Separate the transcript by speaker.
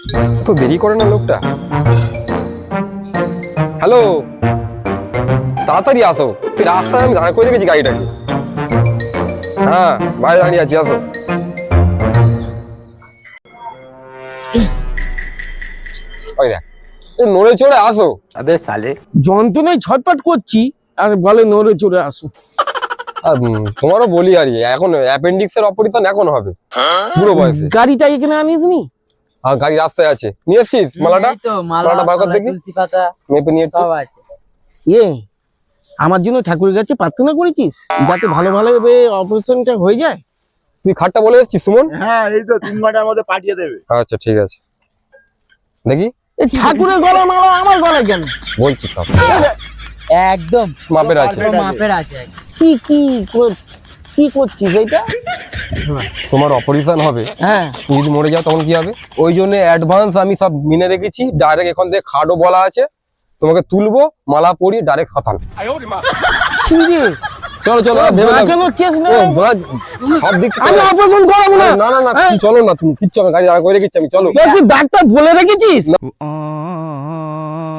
Speaker 1: তো দেরি করে না লোকটা। হ্যালো, তাড়াতাড়ি আসো। তুই রাস্তায় আমি দাঁড় করে রেখেছি গাড়িটাকে। হ্যাঁ, বাইরে দাঁড়িয়ে আছি, আসো। ওই দেখ, নড়ে চড়ে আসো।
Speaker 2: अबे साले
Speaker 3: যন্ত্রণায় ছটপট করছি আর বলে নড়ে চড়ে আসো।
Speaker 1: আর তোমারও বলি আর এখন অ্যাপেন্ডিক্স এর অপারেশন এখন হবে বুড়ো বয়সে।
Speaker 3: গাড়িটা এখানে আনিস নি?
Speaker 1: আর গাড়ি রাস্তায় আছে, নিয়ে এসছিস মালাটা? মালাটা বার কর দেখি।
Speaker 4: তুলসী পাতা
Speaker 1: মেপে নিয়ে
Speaker 4: সব আছে।
Speaker 3: এ আমার জন্য ঠাকুরের কাছে প্রার্থনা করেছিস যাতে ভালো ভাবে অপারেশনটা হয়ে যায়?
Speaker 1: তুই খাটটা বলে এসছিস সুমন?
Speaker 2: হ্যাঁ এই তো 3 ঘন্টার মধ্যে পাঠিয়ে দেবে।
Speaker 1: আচ্ছা ঠিক আছে, দেখি।
Speaker 3: এই ঠাকুরের গলা মালা আমার গলায় কেন?
Speaker 1: বলছি সব
Speaker 4: একদম
Speaker 1: মাপের আছে।
Speaker 4: পুরো মাপের আছে।
Speaker 3: কি কি কি করছিস এইটা?
Speaker 1: তোমার অপারেশন হবে,
Speaker 3: হ্যাঁ,
Speaker 1: তুমি যদি মরে যাও তখন কি হবে? ওই জন্য অ্যাডভান্স আমি সব মিনে রেখেছি। ডাইরেক্ট এখান থেকে খাটও বলা আছে, তোমাকে তুলবো, মালা পরিয়ে ডাইরেক্ট শ্মশান।
Speaker 3: কি রে?
Speaker 1: চলো চলো, আর ভেবে দেখো।
Speaker 3: বাঁচানোর চেষ্টা
Speaker 1: ও,
Speaker 3: নেই।
Speaker 1: বাজ, সব দিক থেকে-
Speaker 3: আমি অপারেশন করাবো না।
Speaker 1: না না না, তুমি চলো না, তুমি কিচ্ছু, আমি গাড়ি দাঁড় করে রেখেছি, আমি চলো।
Speaker 3: তুই ডাক্তার বলে রেখেছিস?